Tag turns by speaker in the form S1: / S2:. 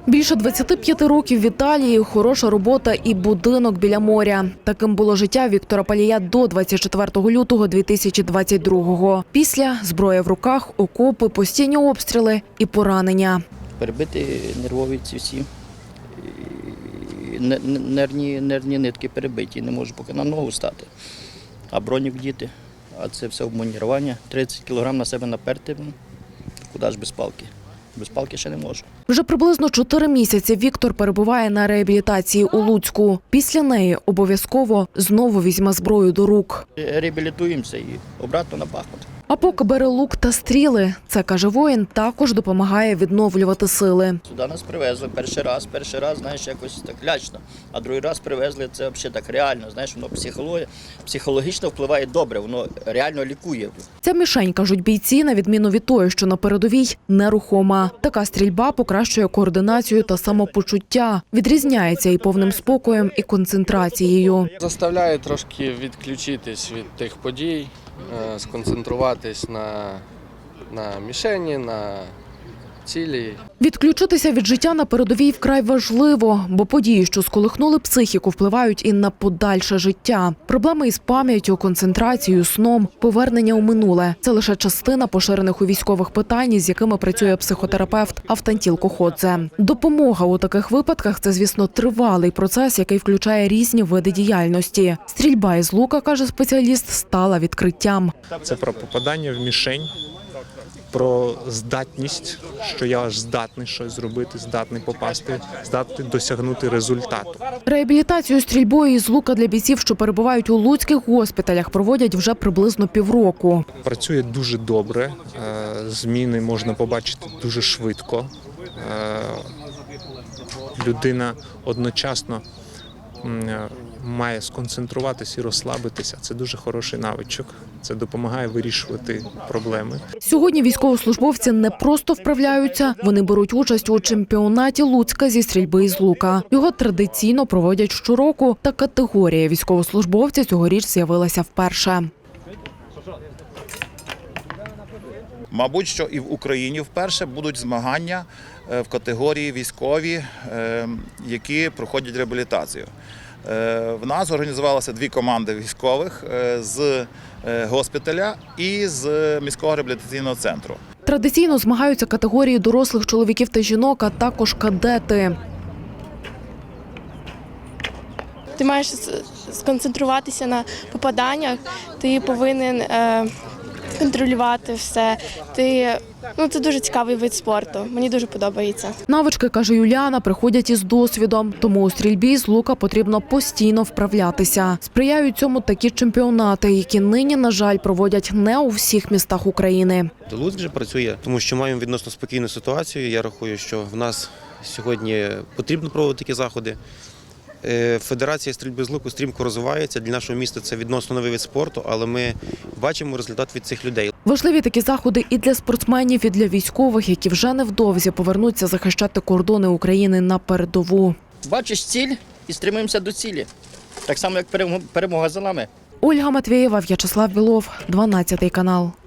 S1: Більше 25 років в Італії, хороша робота і будинок біля моря. Таким було життя Віктора Палія до 24 лютого 2022-го. Після – зброя в руках, окопи, постійні обстріли і поранення.
S2: Перебиті нервові ці всі, нервні нитки перебиті, не можу поки на ногу стати. А бронік вдіти, а це все обмунірування. 30 кг на себе наперти, куди ж без палки? Без палки ще не можу.
S1: Вже приблизно 4 місяці Віктор перебуває на реабілітації у Луцьку. Після неї обов'язково знову візьме зброю до рук.
S2: Реабілітуємося і обратно на Бахмут.
S1: А поки бере лук та стріли, це, каже воїн, також допомагає відновлювати сили.
S2: Сюди нас привезли перший раз, знаєш, якось так лячно. А другий раз привезли, це взагалі так реально, знаєш, воно психологічно впливає добре, воно реально лікує.
S1: Ця мішень, кажуть бійці, на відміну від тої, що на передовій, нерухома. Така стрільба покращує координацію та самопочуття. Відрізняється і повним спокоєм, і концентрацією.
S3: Заставляє трошки відключитись від тих подій, сконцентруватись на мішені, на цілі.
S1: Відключитися від життя на передовій вкрай важливо, бо події, що сколихнули психіку, впливають і на подальше життя. Проблеми із пам'яттю, концентрацією, сном, повернення у минуле – це лише частина поширених у військових питань, з якими працює психотерапевт Автантіл Коходзе. Допомога у таких випадках – це, звісно, тривалий процес, який включає різні види діяльності. Стрільба із лука, каже спеціаліст, стала відкриттям.
S4: Це про попадання в мішень, про здатність, що я аж здатний щось зробити, здатний попасти, здатний досягнути результату.
S1: Реабілітацію стрільбою із лука для бійців, що перебувають у луцьких госпіталях, проводять вже приблизно півроку.
S4: Працює дуже добре, зміни можна побачити дуже швидко. Людина одночасно має сконцентруватися і розслабитися. Це дуже хороший навичок. Це допомагає вирішувати проблеми.
S1: Сьогодні військовослужбовці не просто вправляються, вони беруть участь у чемпіонаті Луцька зі стрільби із лука. Його традиційно проводять щороку, та категорія військовослужбовця цьогоріч з'явилася вперше.
S5: Мабуть, що і в Україні вперше будуть змагання в категорії військові, які проходять реабілітацію. В нас організувалися 2 команди військових з госпіталя і з міського реабілітаційного центру.
S1: Традиційно змагаються категорії дорослих чоловіків та жінок, а також кадети.
S6: Ти маєш сконцентруватися на попаданнях, ти повинен контролювати все. Це дуже цікавий вид спорту, мені дуже подобається.
S1: Навички, каже Юліана, приходять із досвідом, тому у стрільбі з лука потрібно постійно вправлятися. Сприяють цьому такі чемпіонати, які нині, на жаль, проводять не у всіх містах України.
S7: Луцьк вже працює, тому що маємо відносно спокійну ситуацію. Я рахую, що в нас сьогодні потрібно проводити такі заходи. Федерація стрільби з луку стрімко розвивається. Для нашого міста це відносно новий вид спорту, але ми бачимо результат від цих людей.
S1: Важливі такі заходи і для спортсменів, і для військових, які вже невдовзі повернуться захищати кордони України на передову.
S2: Бачиш ціль і стримуємося до цілі. Так само, як перемога за нами.
S1: Ольга Матвєєва, В'ячеслав Білов, 12 канал.